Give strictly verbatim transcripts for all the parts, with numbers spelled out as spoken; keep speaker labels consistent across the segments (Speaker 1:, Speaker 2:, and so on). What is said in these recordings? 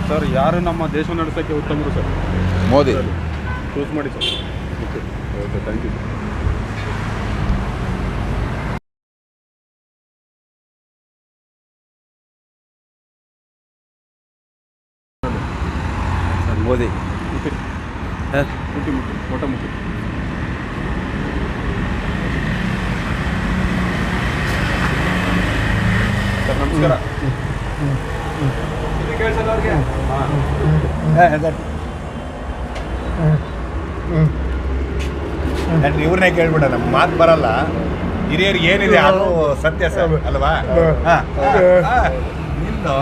Speaker 1: Sir ಯಾರು ನಮ್ಮ ದೇಶ ನಡೆಸೋಕ್ಕೆ ಉತ್ತಮರು ಸರ್?
Speaker 2: ಮೋದಿ
Speaker 1: ಚೂಸ್ ಮಾಡಿ sir. Okay okay thank you
Speaker 2: sir. Modi
Speaker 1: ಮುಟ್ಟಿ ಮುಟ್ಟಿ ಮುಟ್ಟಿ ಊಟ ಮುಟ್ಟಿ. ಸರ್ ನಮಸ್ಕಾರ.
Speaker 2: ಇವ್ರನ್ನೇ ಕೇಳ್ಬಿಡ, ನಮ್ಮ ಮಾತು ಬರಲ್ಲ. ಹಿರಿಯರಿಗೆ ಏನಿದೆ ಅದು ಸತ್ಯ ಸರ್ ಅಲ್ವಾ? ನಿಂದು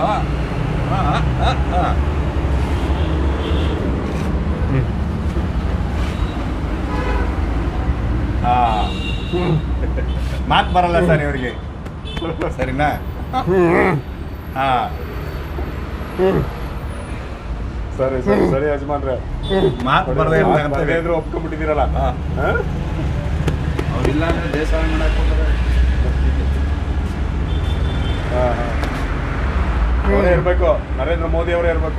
Speaker 2: ಮಾತು ಬರಲ್ಲ ಸರ್ ಇವ್ರಿಗೆ, ಸರಿನಾ? ಹಾ
Speaker 1: ಸರಿ ಸರಿ ಸರಿ ಯಜಮಾನ್ರೆ,
Speaker 2: ಮಾತು ಬರದೇ
Speaker 1: ಇದ್ರು ಒಪ್ಕೊಂಡ್ಬಿಟ್ಟಿದ್ದೀರಲ್ಲ.
Speaker 2: ಅವ್ರಿಲ್ಲ ಅಂದ್ರೆ ದೇಶ ಮಾಡಕ್ಕೆ
Speaker 1: ಹಾಂ ಹಾಂ ಅವರೇ ಇರಬೇಕು, ನರೇಂದ್ರ ಮೋದಿ ಅವರೇ ಇರಬೇಕು.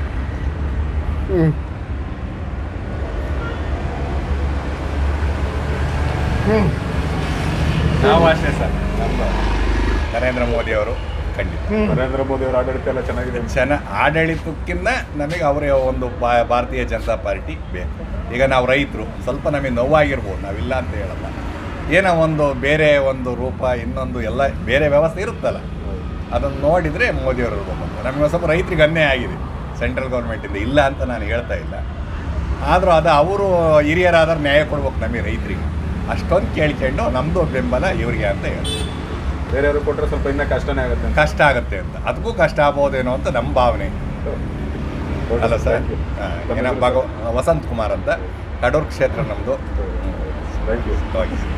Speaker 2: ನಾವು ಅಷ್ಟೇ ಸರ್, ನಮ್ಮದು ನರೇಂದ್ರ ಮೋದಿ ಅವರು ಖಂಡಿತ.
Speaker 1: ನರೇಂದ್ರ ಮೋದಿ ಅವರ ಆಡಳಿತ ಎಲ್ಲ ಚೆನ್ನಾಗಿದೆ.
Speaker 2: ಚೆನ್ನ ಆಡಳಿತಕ್ಕಿಂತ ನಮಗೆ ಅವರೇ ಒಂದು ಭಾರತೀಯ ಜನತಾ ಪಾರ್ಟಿ ಬೇಕು. ಈಗ ನಾವು ರೈತರು ಸ್ವಲ್ಪ ನಮಗೆ ನೋವಾಗಿರ್ಬೋದು, ನಾವಿಲ್ಲ ಅಂತ ಹೇಳಲ್ಲ. ಏನೋ ಒಂದು ಬೇರೆ ಒಂದು ರೂಪ ಇನ್ನೊಂದು ಎಲ್ಲ ಬೇರೆ ವ್ಯವಸ್ಥೆ ಇರುತ್ತಲ್ಲ, ಅದನ್ನು ನೋಡಿದರೆ ಮೋದಿಯವರು ಇರ್ಬೇಕು. ನಮಗೆ ಸ್ವಲ್ಪ ರೈತರಿಗೆ ಅನ್ಯಾಯ ಆಗಿದೆ ಸೆಂಟ್ರಲ್ ಗೌರ್ಮೆಂಟಿಂದ, ಇಲ್ಲ ಅಂತ ನಾನು ಹೇಳ್ತಾ ಇಲ್ಲ. ಆದರೂ ಅದು ಅವರು ಹಿರಿಯರಾದ್ರೆ ನ್ಯಾಯ ಕೊಡ್ಬೇಕು ನಮಗೆ ರೈತರಿಗೆ. ಅಷ್ಟೊಂದು ಕೇಳ್ಕೊಂಡು ನಮ್ಮದು ಬೆಂಬಲ ಇವರಿಗೆ ಅಂತ ಹೇಳ್ತೀವಿ.
Speaker 1: ಬೇರೆಯವರು ಕೊಟ್ಟರೆ ಸ್ವಲ್ಪ ಇನ್ನೂ ಕಷ್ಟನೇ ಆಗುತ್ತೆ,
Speaker 2: ಕಷ್ಟ ಆಗುತ್ತೆ ಅಂತ. ಅದಕ್ಕೂ ಕಷ್ಟ ಆಗ್ಬೋದೇನೋ ಅಂತ ನಮ್ಮ ಭಾವನೆ ಅಲ್ಲ ಸರ್. ಏನ ಭಾಗ ವಸಂತ್ ಕುಮಾರ್ ಅಂತ, ಕಡೂರು ಕ್ಷೇತ್ರ ನಮ್ಮದು.
Speaker 1: Thank you.
Speaker 2: Okay sir.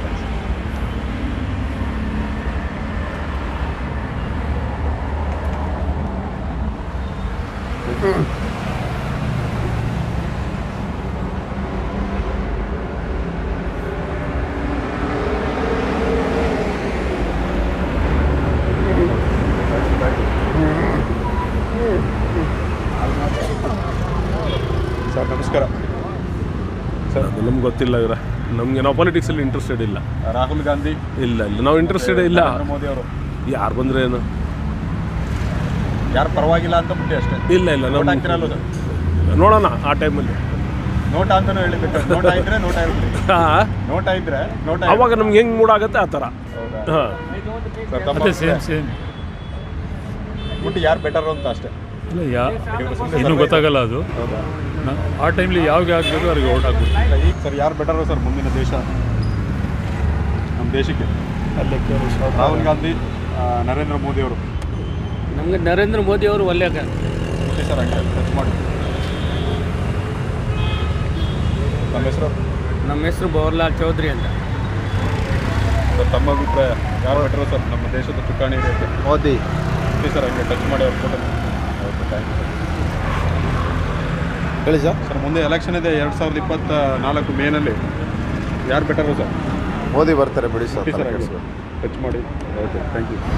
Speaker 1: Sir ನಮಸ್ಕಾರ. ಸರ್
Speaker 3: ಅದು ನಮ್ಗೆ ಗೊತ್ತಿಲ್ಲ ಇವರ, ನಮಗೆ ನಾವು ಪಾಲಿಟಿಕ್ಸಲ್ಲಿ ಇಂಟ್ರೆಸ್ಟೆಡ್ ಇಲ್ಲ.
Speaker 1: ರಾಹುಲ್ ಗಾಂಧಿ
Speaker 3: ಇಲ್ಲ ಇಲ್ಲ ನಾವು ಇಂಟ್ರೆಸ್ಟೆಡ್ ಇಲ್ಲ.
Speaker 1: ನರೇಂದ್ರ ಮೋದಿ ಅವರು
Speaker 3: ಯಾರು ಬಂದರೆ ಏನು,
Speaker 1: ಯಾರು ಪರವಾಗಿಲ್ಲ ಅಂತ ಬಿಟ್ಟು ಅಷ್ಟೇ.
Speaker 3: ಇಲ್ಲ ಇಲ್ಲ
Speaker 1: ನೋಟ್
Speaker 3: ನಾವು
Speaker 1: ಹಾಕ್ತಿರಲ್ಲ ಸರ್?
Speaker 3: ನೋಡೋಣ ಆ ಟೈಮಲ್ಲಿ.
Speaker 1: ನೋಟ ಅಂತಾನು ಹೇಳಿಬಿಟ್ಟು, ನೋಟ ಇದ್ರೆ ನೋಟ ಇರಲಿ,
Speaker 3: ಹಾಂ
Speaker 1: ನೋಟ ಇದ್ರೆ ನೋಟ.
Speaker 3: ಅವಾಗ ನಮ್ಗೆ ಹೆಂಗೆ ಮೂಡಾಗುತ್ತೆ ಆ ಥರ.
Speaker 1: ಹೌದಾ
Speaker 3: ಹಾಂ
Speaker 1: ಸರ್? ತಮ್ಮ
Speaker 4: ಸೇಮ್ ಸೇಮ್
Speaker 1: ಬಿಟ್ಟು ಯಾರು ಬೆಟರ್ ಅಂತ ಅಷ್ಟೇ.
Speaker 4: ಇಲ್ಲ ಯಾ ಇನ್ನೂ ಗೊತ್ತಾಗಲ್ಲ ಅದು.
Speaker 1: ಹೌದಾ?
Speaker 4: ಆ ಟೈಮ್ಲಿ ಯಾವಾಗ ಆಗಬೇಕು ಅವ್ರಿಗೆ ಓಟ್ ಹಾಕ್ಬೇಕು.
Speaker 1: ಈಗ ಸರ್ ಯಾರು ಬೆಟರ್ ಸರ್ ಮುಂದಿನ ದೇಶ, ನಮ್ಮ ದೇಶಕ್ಕೆ? ರಾಹುಲ್ ಗಾಂಧಿ, ನರೇಂದ್ರ ಮೋದಿ ಅವರು?
Speaker 5: ನಮಗೆ ನರೇಂದ್ರ ಮೋದಿ ಅವರು ಒಳ್ಳೆಯ
Speaker 1: ಓಕೆ ಸರ್, ಹಂಗೆ ಟಚ್ ಮಾಡಿ. ನಮ್ಮ ಹೆಸರು?
Speaker 5: ನಮ್ಮ ಹೆಸರು ಬವರ್ಲಾಲ್ ಚೌಧರಿ ಅಂತ.
Speaker 1: ಸರ್ ತಮ್ಮ ಅಭಿಪ್ರಾಯ ಯಾರು ಬೆಟರ್ ಸರ್ ನಮ್ಮ ದೇಶದ ಚುಕ್ಕಾಣಿ ಇದೆ?
Speaker 2: ಮೋದಿ.
Speaker 1: ಓಕೆ ಸರ್, ಹಂಗೆ ಟಚ್ ಮಾಡಿ ಅವ್ರು photo. Okay thank you sir.
Speaker 2: ಹೇಳಿ ಸರ್.
Speaker 1: ಸರ್ ಮುಂದೆ ಎಲೆಕ್ಷನ್ ಇದೆ ಎರಡು ಸಾವಿರದ ಇಪ್ಪತ್ತ ನಾಲ್ಕು ಮೇನಲ್ಲಿ, ಯಾರು ಬೆಟರು ಸರ್?
Speaker 2: ಮೋದಿ ಬರ್ತಾರೆ ಬಿಡಿ ಸರ್.
Speaker 1: ಓಕೆ ಸರ್, ಹಂಗೆ ಟಚ್ ಮಾಡಿ. Okay thank you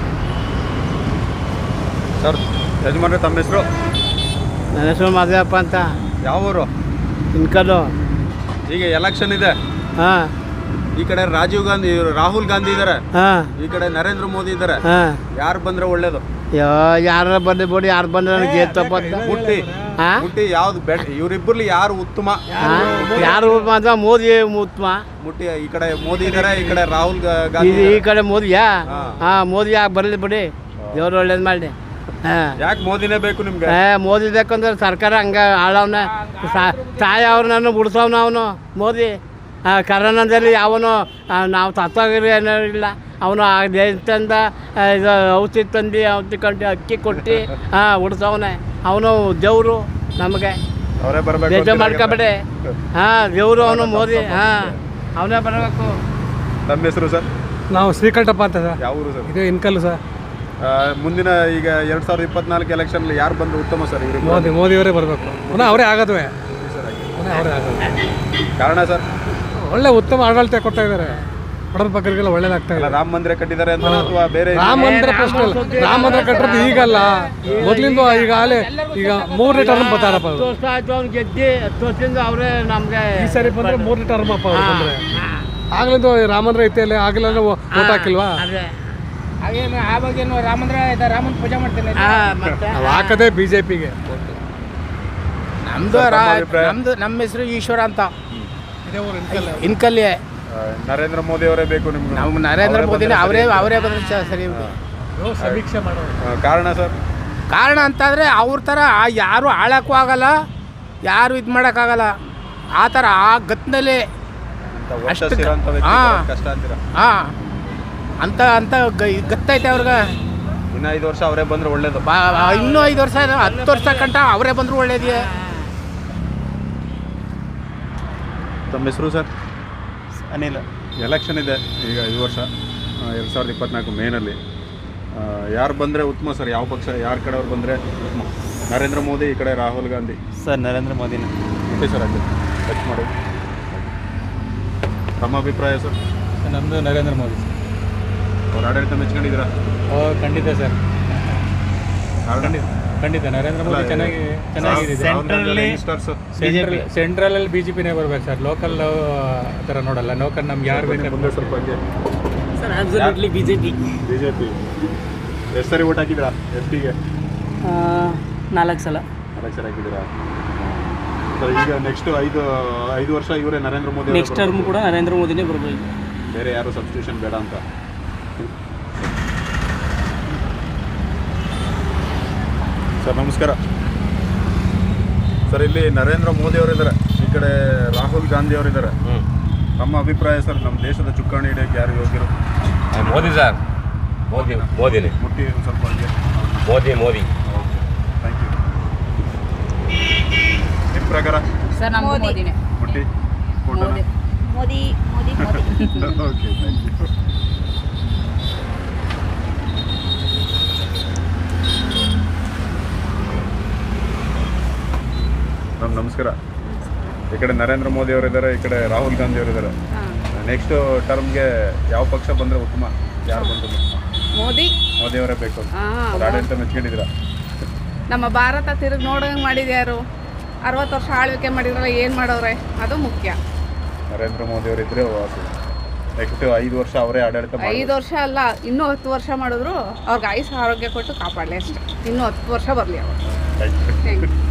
Speaker 1: sir. ಯಜಮಾನ್ರೆ ತಮ್ಮ ಹೆಸರು?
Speaker 5: ನನ್ನ ಹೆಸರು ಮಾದೇವಪ್ಪ ಅಂತ.
Speaker 1: ಯಾವ ಊರು?
Speaker 5: ಇನ್ಕಲ್ಲು.
Speaker 1: ಈಗ ಎಲೆಕ್ಷನ್ ಇದೆ.
Speaker 5: ಹಾಂ.
Speaker 1: ಈ ಕಡೆ ರಾಜೀವ್ ಗಾಂಧಿ, ರಾಹುಲ್ ಗಾಂಧಿ ಇದ್ದಾರೆ,
Speaker 5: ಹಾಂ.
Speaker 1: ಈ ಕಡೆ ನರೇಂದ್ರ ಮೋದಿ ಇದ್ದಾರೆ.
Speaker 5: ಹಾಂ.
Speaker 1: ಯಾರು ಬಂದ್ರೆ ಒಳ್ಳೇದು?
Speaker 5: ಯಾರ ಬಂದು ಬಿಡಿ, ಯಾರು ಬಂದ್ರೆ ನನಗೆ ಗೆತ್ತಪ್ಪ ಅಂತ.
Speaker 1: ಮುಟ್ಟಿ
Speaker 5: ಹಾಂ.
Speaker 1: ಮುಟ್ಟಿ ಯಾವ್ದು ಬೆಟ್? ಇವರಿಬ್ಬರಲ್ಲಿ ಯಾರು ಉತ್ತಮ?
Speaker 5: ಯಾರು ಮಾತ್ರ ಮೋದಿ ಉತ್ತಮ.
Speaker 1: ಮುಟ್ಟಿ ಈ ಕಡೆ ಮೋದಿ ಇದ್ದಾರೆ, ಈ ಕಡೆ ರಾಹುಲ್ ಗಾ-
Speaker 5: ಈ
Speaker 1: ಗಾಂಧಿ
Speaker 5: ಈ
Speaker 1: ಇದ್ದಾರೆ.
Speaker 5: ಕಡೆ ಮೋದಿಯಾ?
Speaker 1: ಹಾಂ.
Speaker 5: ಹಾಂ, ಮೋದಿ ಯಾಕೆ ಬರಲಿ ಬಿಡಿ, ದೇವ್ರು ಒಳ್ಳೇದು ಮಾಡಿ. ಹಾಂ.
Speaker 1: ಯಾಕೆ ಮೋದಿನೇ ಬೇಕು ನಿಮ್ಗೆ?
Speaker 5: ಏ ಮೋದಿ ಬೇಕಂದ್ರೆ ಸರ್ಕಾರ ಹಂಗೆ ಆಳವನ ತಾಯಿ ಅವ್ರನ್ನ ಬಿಡ್ಸವ್ನ ಅವನು ಮೋದಿ. ಕರೋನಾದಲ್ಲಿ ಅವನು ನಾವು ತತ್ತೋಗಿರಿ ಏನೋ ಇಲ್ಲ, ಅವನು ಆ ದೇಶದಿಂದ ಇದು ಔಷಧಿ ತಂದು ಔಷಧಿ ಕಂಡು ಅಕ್ಕಿ ಕೊಟ್ಟು ಹಾಂ ಉಡ್ಸವನೆ. ಅವನು ದೇವರು ನಮಗೆ,
Speaker 1: ಅವರೇ ಬರಬೇಕು.
Speaker 5: ಬೇಜ ಮಾಡ್ಕೊಬೇಡಿ. ಹಾಂ, ದೇವರು ಅವನು ಮೋದಿ. ಹಾಂ, ಅವನೇ ಬರಬೇಕು.
Speaker 1: ನಮ್ಮ ಹೆಸರು ಸರ್?
Speaker 4: ನಾವು ಶ್ರೀಕಂಠಪ್ಪ ಅಂತ ಸರ್.
Speaker 1: ಯಾವ ಊರು ಸರ್?
Speaker 4: ಇದು ಇನ್ಕಲ್ಲು ಸರ್.
Speaker 1: ಆ, ಮುಂದಿನ ಈಗ ಎರಡು ಸಾವಿರದ ಇಪ್ಪತ್ನಾಲ್ಕು ಎಲೆಕ್ಷನಲ್ಲಿ ಯಾರು ಬಂದು ಉತ್ತಮ ಸರ್? ಇವರು
Speaker 4: ಮೋದಿ ಮೋದಿಯವರೇ ಬರಬೇಕು. ಪುನಃ ಅವರೇ ಆಗೋದುವೆ, ಪುನಃ ಅವರೇ ಆಗೋದು.
Speaker 1: ಕಾರಣ ಸರ್?
Speaker 4: ಒಳ್ಳೆ ಉತ್ತಮ ಆಡಳಿತ ಕೊಡ್ತಾ ಇದ್ದಾರೆ. ಬಡವ್ರ ಬಗ್ಗರಿಗೆಲ್ಲ ಒಳ್ಳೇದಾಗ್ತಾ
Speaker 1: ಅಲ್ಲ
Speaker 4: ಇದೆ.
Speaker 1: ರಾಮ ಮಂದಿರ ಕಟ್ಟಿದ್ದಾರೆ ಅಂತ ಅಥವಾ ಬೇರೆ
Speaker 4: ರಾಮ ಮಂದಿರ ಪ್ರಶ್ನೆ ಅಲ್ಲ. ರಾಮ ಮಂದಿರ ಕಟ್ಟಿರೋದು ಈಗಲ್ಲ, ಮೊದಲಿಂದ ಈಗಾಗಲೇ ಈಗ ಮೂರನೇ ಟರ್ಮ್ ಬರ್ತಾರಪ್ಪ
Speaker 5: ಹತ್ತು ವರ್ಷ ಆಯ್ತು ಅವ್ನು ಗೆದ್ದಿ ಹತ್ತು ವರ್ಷದಿಂದ ಅವರೇ ನಮಗೆ
Speaker 4: ಈ ಸರಿ ಬಂದ್ರೆ ಮೂರನೇ ಟರ್ಮ್ ಅಪ್ಪ ಅವ್ರು ಬಂದ್ರೆ. ಆಗ್ಲಿಂದ ರಾಮ ಮಂದಿರ ಐತೆ ಅಲ್ಲಿ ಆಗಲೇ ಓಟ್ ಹಾಕಿಲ್ವಾ?
Speaker 5: ಅದೇ
Speaker 6: ಹಾಗೇನು ಆವಾಗೇನು ರಾಮಂದ್ರ ರಾಮನ್ ಪೂಜೆ ಮಾಡ್ತೇನೆ
Speaker 5: ಮತ್ತೆ
Speaker 4: ನಾವು ಹಾಕದೆ ಬಿಜೆಪಿಗೆ.
Speaker 6: ನಮ್ದು ನಮ್ದು ನಮ್ಮ ಹೆಸರು ಈಶ್ವರ ಅಂತ ಇನ್ಕಲ್ಲಿ.
Speaker 1: ನರೇಂದ್ರ ಮೋದಿ ಅವರೇ ಬೇಕು ನಿಮ್ಗೆ?
Speaker 6: ನಾವು ನರೇಂದ್ರ ಮೋದಿನ ಅವರೇ ಅವರೇ ಬಂದ್ರೆ ಚ- ಸರಿ.
Speaker 4: ಸಮೀಕ್ಷೆ ಮಾಡೋದು
Speaker 1: ಆ, ಕಾರಣ ಸರ್?
Speaker 6: ಕಾರಣ ಅಂತಾದರೆ ಅವ್ರ ಥರ ಯಾರು ಆಳಕ್ಕೂ ಆಗಲ್ಲ, ಯಾರು ಇದು ಮಾಡೋಕ್ಕಾಗಲ್ಲ. ಆ ಥರ ಆ ಗತ್ತಿನಲ್ಲಿ ಅಷ್ಟು ಹಾ.
Speaker 1: ಕಷ್ಟ ಅಂತೀರಾ?
Speaker 6: ಹಾಂ ಅಂತ ಅಂತ ಗ- ಗತ್ತೈತೆ ಅವ್ರಿಗೆ.
Speaker 1: ಇನ್ನು ಐದು ವರ್ಷ ಅವರೇ ಬಂದ್ರೆ ಒಳ್ಳೇದು.
Speaker 6: ಬಾ ಇನ್ನೂ ಐದು ವರ್ಷ ಹತ್ತು ವರ್ಷ ಕಂಟ ಅವರೇ ಬಂದರೂ ಒಳ್ಳೇದೇ.
Speaker 1: ತಮ್ಮ ಹೆಸರು ಸರ್?
Speaker 7: ಅನಿಲ್.
Speaker 1: ಎಲೆಕ್ಷನ್ ಇದೆ ಈಗ ಈ ವರ್ಷ ಎರಡು ಸಾವಿರದ ಇಪ್ಪತ್ನಾಲ್ಕು ಮೇನಲ್ಲಿ. ಯಾರು ಬಂದರೆ ಉತ್ತಮ ಸರ್? ಯಾವ ಪಕ್ಷ ಯಾರ ಕಡೆಯವ್ರು ಬಂದರೆ ಉತ್ತಮ? ನರೇಂದ್ರ ಮೋದಿ, ಈ ಕಡೆ ರಾಹುಲ್ ಗಾಂಧಿ.
Speaker 7: ಸರ್ ನರೇಂದ್ರ ಮೋದಿನ.
Speaker 1: ಓಕೆ ಸರ್, ಆಯ್ತು ಟಚ್ ಮಾಡಿ. ತಮ್ಮ ಅಭಿಪ್ರಾಯ ಸರ್?
Speaker 4: ನಮ್ಮದು ನರೇಂದ್ರ ಮೋದಿ.
Speaker 1: ಅವ್ರ ಆಡಳಿತ ಮೆಚ್ಕೊಂಡಿದ್ದೀರಾ?
Speaker 4: ಓ ಖಂಡಿತ ಸರ್,
Speaker 1: ಕಾರಣ?
Speaker 4: ಖಂಡಿತ ನರೇಂದ್ರ ಮೋದಿ ಚೆನ್ನಾಗಿ ಚೆನ್ನಾಗಿದೆ.
Speaker 7: ಸೆಂಟ್ರಲ್ಲಿ
Speaker 1: ಯಂಗ್ಸ್ಟರ್ಸ್
Speaker 4: ಸೆಂಟ್ರಲ್ ಸೆಂಟ್ರಲಲ್ಲಿ ಬಿ ಜೆ ಪಿನೇ ಬರ್ಬೇಕು ಸರ್. ಲೋಕಲ್ ಆ ಥರ ನೋಡಲ್ಲ. ಲೋಕಲ್ ನಮ್ಗೆ ಯಾರು ಬೇಕಾದ್ರೆ
Speaker 1: ಮುಂದೆ ಸ್ವಲ್ಪ ಹಂಗೆ
Speaker 5: sir absolutely B J P.
Speaker 1: B J P ಎಷ್ಟು ಸರಿ ಓಟ್ ಹಾಕಿದ್ದೀರಾ ಎಸ್ ಪಿಗೆ?
Speaker 5: ನಾಲ್ಕು ಸಲ.
Speaker 1: ನಾಲ್ಕು ಸರಿ ಹಾಕಿದ್ದೀರಾ ಸರ್? ಈಗ ನೆಕ್ಸ್ಟ್ ಐದು ಐದು ವರ್ಷ ಇವರೇ ನರೇಂದ್ರ ಮೋದಿ
Speaker 5: ನೆಕ್ಸ್ಟ್ ಟರ್ಮ್ ಕೂಡ ನರೇಂದ್ರ ಮೋದಿನೇ ಬರಬೇಕು.
Speaker 1: ಬೇರೆ ಯಾರು ಸಬ್ಸ್ಟಿಟ್ಯೂಷನ್ ಬೇಡ ಅಂತ. ಸರ್ ನಮಸ್ಕಾರ ಸರ್. ಇಲ್ಲಿ ನರೇಂದ್ರ ಮೋದಿ ಅವರಿದ್ದಾರೆ, ಈ ಕಡೆ ರಾಹುಲ್ ಗಾಂಧಿ ಅವರಿದ್ದಾರೆ. ನಮ್ಮ ಅಭಿಪ್ರಾಯ ಸರ್, ನಮ್ಮ ದೇಶದ ಚುಕ್ಕಾಣಿ ಹಿಡಿಯೋಕ್ಕೆ ಯಾರು ಯೋಗ್ಯರು?
Speaker 8: ಮೋದಿ ಸರ್, ಮೋದಿ ಮೋದಿನೇ
Speaker 1: ಮುಟ್ಟಿ ಒಂದು ಸ್ವಲ್ಪ ಹಂಗೆ.
Speaker 8: Modi Modi
Speaker 1: thank you. ನಿಮ್ಮ ಪ್ರಕಾರ
Speaker 9: ಸರ್ ನಮ್ಮ ಮೋದಿನೇ.
Speaker 1: ಮುಟ್ಟಿ ಫೋಟೋನ?
Speaker 9: Modi Modi Modi Modi
Speaker 1: okay, thank you. Ma'am ನಮಸ್ಕಾರ. ಈ ಕಡೆ ನರೇಂದ್ರ ಮೋದಿ ಅವರಿದ್ದಾರೆ, ಈ ಕಡೆ ರಾಹುಲ್ ಗಾಂಧಿ ಅವರಿದ್ದಾರೆ. ನೆಕ್ಸ್ಟ್ ಟರ್ಮ್ಗೆ ಯಾವ ಪಕ್ಷ ಬಂದರೆ ಉತ್ತಮ? ಯಾರು ಬಂದರು?
Speaker 9: ಮೋದಿ
Speaker 1: ಮೋದಿ ಅವರೇ ಬೇಕು.
Speaker 9: ಹಾ,
Speaker 1: ಅವ್ರ ಆಡಳಿತ ಮೆಚ್ಕೊಂಡಿದ್ದೀರಾ?
Speaker 9: ನಮ್ಮ ಭಾರತ ತಿರುಗಿ ನೋಡಂಗೆ ಮಾಡಿದ್ಯಾರು? ಅರವತ್ತು ವರ್ಷ ಆಳ್ವಿಕೆ ಮಾಡಿದ್ರಲ್ಲ, ಏನು ಮಾಡೋರೆ ಅದು ಮುಖ್ಯ.
Speaker 1: ನರೇಂದ್ರ ಮೋದಿ ಅವರಿದ್ದರೆ ವಾಸಿ. ನೆಕ್ಸ್ಟ್ ಐದು ವರ್ಷ ಅವರೇ ಆಡಳಿತ ಮಾಡಿ.
Speaker 9: ಐದು ವರ್ಷ ಅಲ್ಲ, ಇನ್ನೂ ಹತ್ತು ವರ್ಷ ಮಾಡಿದ್ರು ಅವ್ರಿಗೆ ಆಯುಷ್ ಆರೋಗ್ಯ ಕೊಟ್ಟು ಕಾಪಾಡಲಿ ಅಷ್ಟೇ. ಇನ್ನೂ ಹತ್ತು ವರ್ಷ ಬರಲಿ ಅವರು. Thank you.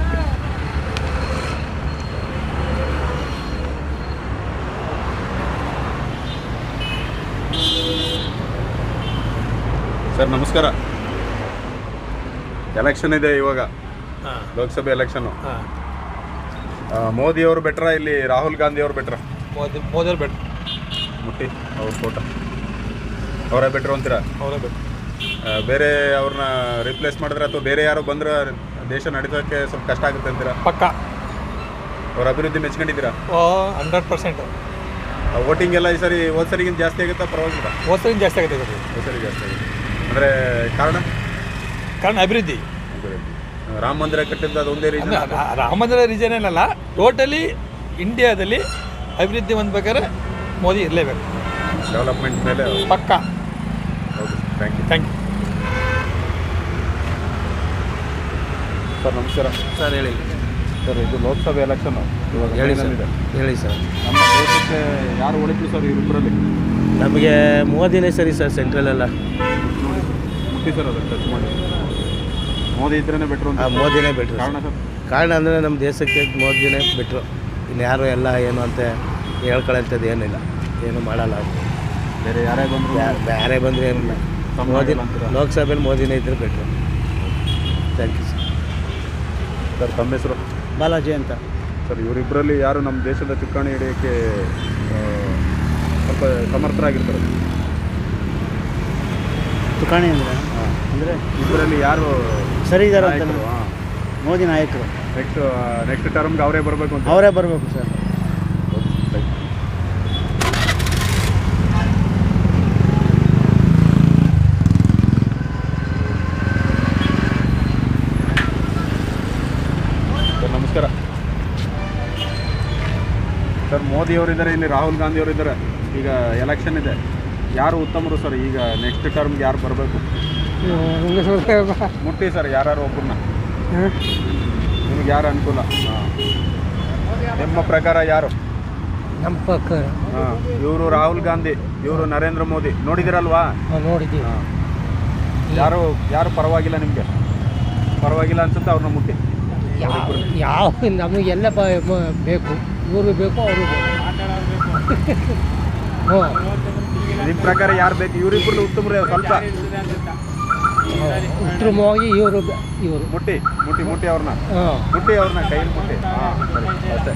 Speaker 1: ಸರ್ ನಮಸ್ಕಾರ. ಎಲೆಕ್ಷನ್ ಇದೆ ಇವಾಗ, ಲೋಕಸಭೆ ಎಲೆಕ್ಷನ್ನು. ಮೋದಿ ಅವರು ಬೆಟ್ರ ಇಲ್ಲಿ ರಾಹುಲ್ ಗಾಂಧಿ ಅವರು ಬೆಟ್ರ?
Speaker 4: ಮೋದಿ ಮೋದಿ ಅವ್ರು ಬೆಟ್ರ್.
Speaker 1: ಮುಟ್ಟಿ ಅವ್ರ ಫೋಟೋ ಅವರೇ ಬೆಟ್ರು ಅಂತೀರಾ?
Speaker 4: ಅವರೇ ಬೆಟ್ರ್.
Speaker 1: ಆ, ಬೇರೆ ಅವ್ರನ್ನ ರಿಪ್ಲೇಸ್ ಮಾಡಿದ್ರೆ ಅಥವಾ ಬೇರೆ ಯಾರು ಬಂದ್ರೆ ದೇಶ ನಡೆಸೋಕ್ಕೆ ಸ್ವಲ್ಪ ಕಷ್ಟ ಆಗುತ್ತೆ ಅಂತೀರಾ?
Speaker 4: ಪಕ್ಕ
Speaker 1: ಅವ್ರ ಅಭಿವೃದ್ಧಿ ಮೆಚ್ಕೊಂಡಿದ್ದೀರಾ?
Speaker 4: ಓ ಹಂಡ್ರೆಡ್ ಪರ್ಸೆಂಟ್.
Speaker 1: ವೋಟಿಂಗ್ ಎಲ್ಲ ಈ ಸರಿ ಹೋದ ಸರಿಗಿಂತ ಜಾಸ್ತಿ ಆಗುತ್ತಾ ಪರವಾಗಿಲ್ಲ?
Speaker 4: ಹೋದ್ಸರಿ ಜಾಸ್ತಿ ಆಗುತ್ತೆ ಇದು.
Speaker 1: ಹೋದ ಸರಿ ಜಾಸ್ತಿ ಆಗುತ್ತೆ ಅಂದರೆ ಕಾರಣ?
Speaker 4: ಕಾರಣ ಅಭಿವೃದ್ಧಿ.
Speaker 1: ರಾಮ ಮಂದಿರ ಕಟ್ಟಿದ್ದು ಅದೊಂದೇ ರೀಸನ್?
Speaker 4: ರಾಮ ಮಂದಿರ ರೀಸನ್ ಏನಲ್ಲ, ಟೋಟಲಿ ಇಂಡಿಯಾದಲ್ಲಿ ಅಭಿವೃದ್ಧಿ ಹೊಂದ್ಬೇಕಾದ್ರೆ ಮೋದಿ ಇರಲೇಬೇಕು.
Speaker 1: ಡೆವಲಪ್ಮೆಂಟ್ ಮೇಲೆ
Speaker 4: ಪಕ್ಕ.
Speaker 1: ಹೌದು. Thank you.
Speaker 4: Thank you
Speaker 1: sir ನಮಸ್ಕಾರ.
Speaker 7: ಸರ್ ಹೇಳಿ.
Speaker 1: ಸರ್ ಇದು ಲೋಕಸಭೆ ಎಲೆಕ್ಷನ್ನು ಇವಾಗ
Speaker 7: ಹೇಳಿ ಸರ್.
Speaker 1: ಇದೆ.
Speaker 7: ಹೇಳಿ ಸರ್.
Speaker 1: ನಮ್ಮ ದೇಶಕ್ಕೆ ಯಾರು ಒಳಿತು ಸರ್ ಇವರಿಬ್ಬರಲ್ಲಿ?
Speaker 7: ನಮಗೆ ಮೋದಿನೇ ಸರಿ ಸರ್. ಸೆಂಟ್ರಲೆಲ್ಲ
Speaker 1: ನೋಡಿ ಮುಟ್ಟಿ ಸರ್, ಅದು ಟಚ್ ಮಾಡಿ. ಮೋದಿ ಇದ್ರೇ ಬೆಟ್ರು ಅಂತ.
Speaker 7: ಮೋದಿನೇ ಬೆಟ್ರು.
Speaker 1: ಕಾರಣ ಸರ್?
Speaker 7: ಕಾರಣ ಅಂದರೆ ನಮ್ಮ ದೇಶಕ್ಕೆ ಮೋದಿನೇ ಬಿಟ್ಟರು. ಇನ್ಯಾರು ಎಲ್ಲ ಏನು ಅಂತ ಹೇಳ್ಕೊಳ್ಳೋಂಥದ್ದು ಏನಿಲ್ಲ, ಏನು ಮಾಡಲ್ಲ.
Speaker 1: ಬೇರೆ ಯಾರೇ ಬಂದರು
Speaker 7: ಬೇರೆ ಬಂದರೆ ಏನಿಲ್ಲ. ಮೋದಿ ಲೋಕಸಭೆಯಲ್ಲಿ ಮೋದಿನೇ ಇದ್ದರೆ better. Thank you sir.
Speaker 1: Sir ತಮ್ಮ ಹೆಸರು?
Speaker 7: ಬಾಲಾಜಿ ಅಂತ.
Speaker 1: ಸರ್ ಇವರಿಬ್ಬರಲ್ಲಿ ಯಾರು ನಮ್ಮ ದೇಶದ ಚುಕ್ಕಾಣಿ ಹಿಡಿಯೋಕ್ಕೆ ಆ, ಸ್ವಲ್ಪ ಸಮರ್ಥರಾಗಿರ್ತಾರೆ?
Speaker 7: ತುಕಾಣಿ ಅಂದರೆ ಅಂದರೆ
Speaker 1: ಇದರಲ್ಲಿ ಯಾರು
Speaker 7: ಸರಿ ಇದ್ದಾರೆ ಅಂತ.
Speaker 1: ನಾಯಕರು? ಹಾಂ,
Speaker 7: ಮೋದಿ ನಾಯಕರು.
Speaker 1: ನೆಕ್ಸ್ಟ್ ನೆಕ್ಸ್ಟ್ ಟರ್ಮ್ಗೆ ಅವರೇ ಬರಬೇಕು ಅಂತ?
Speaker 7: ಅವರೇ ಬರಬೇಕು ಸರ್.
Speaker 1: ಸರ್ ನಮಸ್ಕಾರ. ಸರ್ ಮೋದಿ ಅವರಿದ್ದಾರೆ, ಇಲ್ಲಿ ರಾಹುಲ್ ಗಾಂಧಿ ಅವರಿದ್ದಾರೆ. ಈಗ ಎಲೆಕ್ಷನ್ ಇದೆ, ಯಾರು ಉತ್ತಮರು ಸರ್? ಈಗ ನೆಕ್ಸ್ಟ್ ಟರ್ಮ್ಗೆ ಯಾರು ಬರಬೇಕು? ಮುಟ್ಟಿ ಸರ್ ಯಾರು ಒಬ್ಬರನ್ನ, ನಿಮ್ಗೆ ಯಾರು ಅನುಕೂಲ? ಹಾಂ, ನಿಮ್ಮ ಪ್ರಕಾರ ಯಾರು?
Speaker 5: ನಮ್ಮ ಪಕ್ಕ
Speaker 1: ಹಾಂ, ಇವರು ರಾಹುಲ್ ಗಾಂಧಿ, ಇವರು ನರೇಂದ್ರ ಮೋದಿ, ನೋಡಿದಿರಲ್ವಾ?
Speaker 5: ನೋಡಿದ್ದೀವಿ.
Speaker 1: ಹಾಂ, ಯಾರು ಯಾರು ಪರವಾಗಿಲ್ಲ ನಿಮಗೆ? ಪರವಾಗಿಲ್ಲ ಅನ್ಸುತ್ತೆ ಅವ್ರನ್ನ ಮುಟ್ಟಿ.
Speaker 5: ಯಾವ ನಮಗೆಲ್ಲ ಬೇಕು, ಇವರು ಬೇಕು ಅವರು ಬೇಕು.
Speaker 1: ನಿಮ್ಮ ಪ್ರಕಾರ ಯಾರು ಬೇಕು? ಇವರಿಬ್ಬರು ಉತ್ತಮರೇ ಸ್ವಲ್ಪ
Speaker 5: ಉತ್ತಮವಾಗಿ ಇವರು ಇವರು
Speaker 1: ಮುಟ್ಟಿ ಮುಟ್ಟಿ ಮುಟ್ಟಿ ಅವ್ರನ್ನ
Speaker 5: ಹಾಂ
Speaker 1: ಮುಟ್ಟಿ ಅವ್ರನ್ನ ಕೈಯಲ್ಲಿ ಮುಟ್ಟಿ. ಹಾಂ, ಅಷ್ಟೇ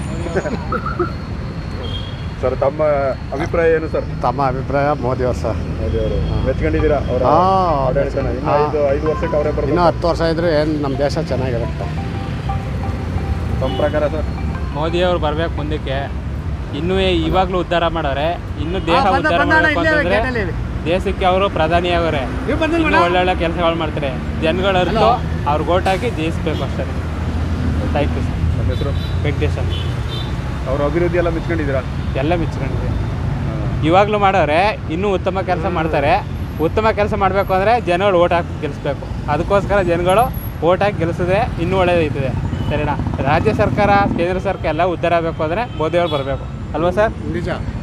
Speaker 1: ಸರ್. ತಮ್ಮ ಅಭಿಪ್ರಾಯ ಏನು ಸರ್?
Speaker 10: ತಮ್ಮ ಅಭಿಪ್ರಾಯ ಮೋದಿ ಅವರು ಸರ್.
Speaker 1: ಮೋದಿ ಅವರು ಮೆಚ್ಕೊಂಡಿದ್ದೀರಾ ಅವರ ಆಡಳಿತನ? ಇನ್ನು ಐದು ಐದು ವರ್ಷಕ್ಕೆ ಅವರೇ
Speaker 10: ಇನ್ನೂ
Speaker 1: ಬರ್ಬೋದು.
Speaker 10: ಹತ್ತು ವರ್ಷ ಇದ್ರೆ ಏನು ನಮ್ಮ ದೇಶ ಚೆನ್ನಾಗಿರುತ್ತೆ.
Speaker 1: ತಮ್ಮ ಪ್ರಕಾರ ಸರ್?
Speaker 11: ಮೋದಿಯವರು ಬರ್ಬೇಕು ಮುಂದಕ್ಕೆ. ಇನ್ನೂ ಇವಾಗಲೂ ಉದ್ಧಾರ ಮಾಡೋರೆ, ಇನ್ನು ದೇಶ ಉದ್ಧಾರ ಮಾಡಬೇಕು ಅಂತಂದರೆ ದೇಶಕ್ಕೆ ಅವರು ಪ್ರಧಾನಿ ಅವರೇ, ಇನ್ನೂ ಒಳ್ಳೊಳ್ಳೆ ಕೆಲಸಗಳು ಮಾಡ್ತಾರೆ. ಜನಗಳು ಅರ್ಥ ಅವ್ರಿಗೆ ಓಟ್ ಹಾಕಿ ಜಯಿಸ್ಬೇಕು ಅಷ್ಟೇ. Thank you sir.
Speaker 1: ನಮ್ಮ ಹೆಸರು
Speaker 11: ವೆಂಕಟೇಶ್ ಅಂತ.
Speaker 1: ಅವ್ರ ಅಭಿವೃದ್ಧಿ ಎಲ್ಲ ಮೆಚ್ಕೊಂಡಿದ್ದೀರಾ?
Speaker 11: ಎಲ್ಲ ಮೆಚ್ಕೊಂಡಿದೆ. ಇವಾಗಲೂ ಮಾಡೋರೆ, ಇನ್ನೂ ಉತ್ತಮ ಕೆಲಸ ಮಾಡ್ತಾರೆ. ಉತ್ತಮ ಕೆಲಸ ಮಾಡಬೇಕು ಅಂದರೆ ಜನಗಳು ಓಟ್ ಹಾಕಿ ಗೆಲ್ಲಿಸ್ಬೇಕು. ಅದಕ್ಕೋಸ್ಕರ ಜನಗಳು ಓಟ್ ಹಾಕಿ ಗೆಲ್ಲಿಸಿದ್ರೆ ಇನ್ನೂ ಒಳ್ಳೆಯದೈತದೆ. ಸರಿನಾ? ರಾಜ್ಯ ಸರ್ಕಾರ, ಕೇಂದ್ರ ಸರ್ಕಾರ ಎಲ್ಲ ಉದ್ಧಾರ ಆಗಬೇಕು ಅಂದರೆ ಮೋದಿಯವ್ರು ಬರಬೇಕು ಅಲ್ವಾ ಸರ್?
Speaker 10: ನಿಜ.